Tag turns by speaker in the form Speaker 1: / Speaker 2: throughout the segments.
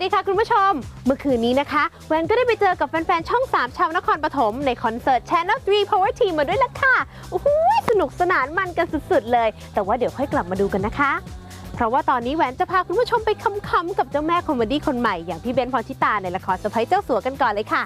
Speaker 1: ดีค่ะคุณผู้ชมเมื่อคืนนี้นะคะแวนก็ได้ไปเจอกับแฟนๆช่อง 3 ชาวนครปฐมในคอนเสิร์ต Channel 3 Power Team มาด้วยล่ะค่ะโอ้โหสนุกสนานมันกันสุดๆเลยแต่ว่าเดี๋ยวค่อยกลับมาดูกันนะคะเพราะว่าตอนนี้แหวนจะพาคุณผู้ชมไปคำๆกับเจ้าแม่คอมเมดี้คนใหม่อย่างพี่เบนซ์ พรชิตาในละครสะใภ้เจ้าสัวกันก่อนเลยค่ะ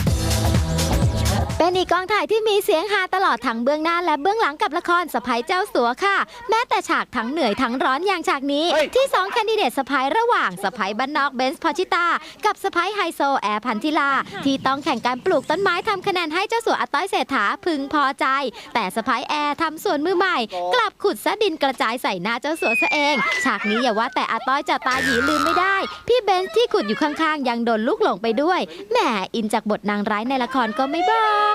Speaker 2: เป็นอีกกองถ่ายที่มีเสียงฮาตลอดทั้งเบื้องหน้าและเบื้องหลังกับละครสะใภ้เจ้าสัวค่ะแม้แต่ฉากทั้งเหนื่อยทั้งร้อนอย่างฉากนี้ที่2แคนดิเดตสะใภ้ระหว่างสะใภ้บ้านนอกเบนซ์ พรชิตากับสะใภ้ไฮโซแอร์พันธิลาที่ต้องแข่งการปลูกต้นไม้ทำคะแนนให้เจ้าสัวอาต้อยเศรษฐาพึงพอใจแต่สะใภ้แอร์ทำสวนมือใหม่กลับขุดซะดินกระจายใส่หน้าเจ้าสัวซะเองฉากนี้อย่าว่าแต่อาต้อยจะตาหยีลืมไม่ได้พี่เบนซ์ที่ขุดอยู่ข้างๆยังโดนลูกหลงไปด้วยแหมอินจากบทนางร้ายในละครก็ไม่บอก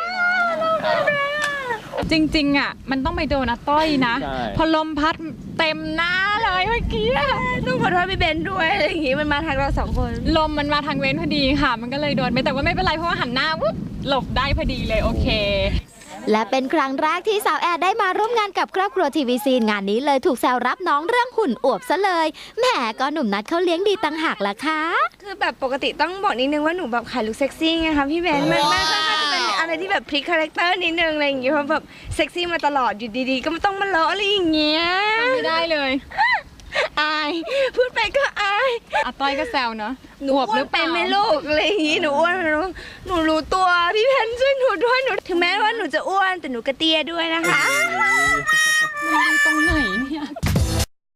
Speaker 3: จริงๆอ่ะมันต้องไปโดนอาต้อยนะพอลมพัดเต็มหน้าเลยเมื่อกี้
Speaker 4: ต้องขอโทษพี่เบนด้วยอะไรอย่างงี้มันมาทางเรา2 คน
Speaker 3: ลมมันมาทางเว้นพอดีค่ะมันก็เลยโดนไปแต่ว่าไม่เป็นไรเพราะว่าหันหน้าปุ๊บหลบได้พอดีเลยโอเค
Speaker 2: และเป็นครั้งแรกที่สาวแอร์ได้มาร่วมงานกับครอบครัวทีวีซีนงานนี้เลยถูกแซวรับน้องเรื่องหุ่นอวบซะเลยแหมก็หนุ่มนัดเขาเลี้ยงดีตั้งหากล่ะคะ
Speaker 4: คือแบบปกติต้องบอกนิดนึงว่าหนูแบบขายลุคเซ็กซี่ไงคะพี่เบนมันจะเป็นอะไรที่แบบพลิกคาแรคเตอร์นิดนึงอะไรอย่างเงี้ยเพราะแบบเซ็กซี่มาตลอดอยู่ดีๆก็ไม่ต้องมาเลาะอะไรอย่างเงี้ย
Speaker 3: ไม่ได้เลย
Speaker 4: อายพูดไปก็อาย
Speaker 3: อาต้อยก็แซวเนาะ
Speaker 4: หนูอ้วนเป็นไหมลูกอะไรอย่างงี้หนูอ้วนหนูรู้ตัวพี่เพนช่วยหนูด้วยหนูถึงแม้ว่าหนูจะอ้วนแต่หนูกระเตี้ยด้วยนะคะ
Speaker 3: มันดีตรงไหนเนี่ย